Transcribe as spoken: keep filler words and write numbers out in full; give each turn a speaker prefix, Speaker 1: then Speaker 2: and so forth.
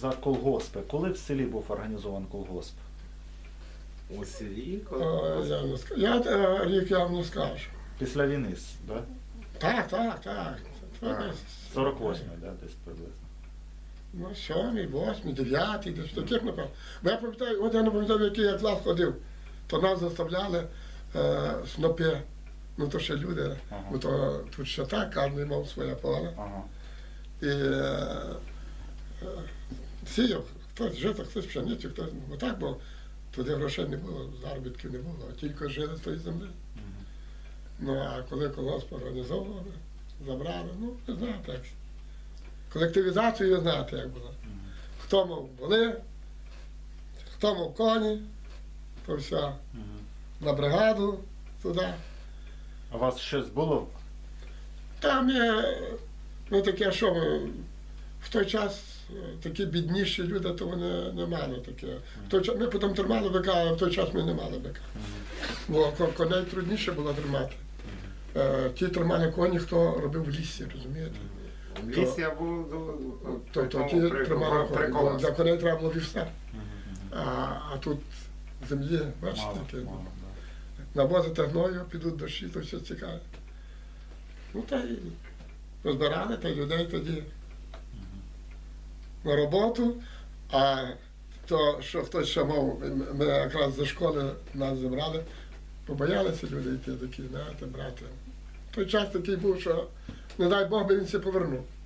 Speaker 1: За колгоспи. Коли в селі був організований колгосп?
Speaker 2: У селі?
Speaker 3: О, я не скажу. Я е, рік я вам не скажу.
Speaker 1: Після війни, да?
Speaker 3: Так, так, так.
Speaker 2: Так.
Speaker 1: сорок восьмий, да, десь приблизно.
Speaker 3: Ну, сьомий, восьмий, дев'ятий, десь таких, напевно. Бо я пам'ятаю, от я не пам'ятаю, в який я клас ходив, то нас заставляли е, снопи, ну то ще люди,
Speaker 1: Ага.
Speaker 3: бо то тут ще так, кожен мав своє поле.
Speaker 1: Ага.
Speaker 3: І е, е, сіяв, хтось жито, хтось пшеницю, хтось, бо так, бо туди грошей не було, заробітків не було, а тільки жили з тої землі. Ну, а коли колгосп організовували, забрали, ну, ви знаєте, як. Колективізацію ви знаєте, як було. Хто мав воли, хто мав коні, то все на бригаду туди.
Speaker 1: А у вас щось було?
Speaker 3: Там є, ну таке, що ми, в той час е, такі бідніші люди, то вони не мали таке. В той час, ми потім тримали бика, але в той час ми не мали бика. Бо ко- коней трудніше було тримати. Е, Ті тримали коні, хто робив в лісі, розумієте?
Speaker 2: В лісі я був до
Speaker 3: Тобто ті тримали коні, бо для коней треба було вівса. А, а тут землі, бачите,
Speaker 1: Мало,
Speaker 3: таке.
Speaker 1: мало,
Speaker 3: Навозити гною, підуть дощі, то все цікаве. Ну та й розбирали та й людей тоді на роботу, а то, що хтось ще мав, ми якраз зі школи нас забрали, побоялися люди йти такі, знаєте, брати. Той час такий був, що не дай Бог би він все повернув.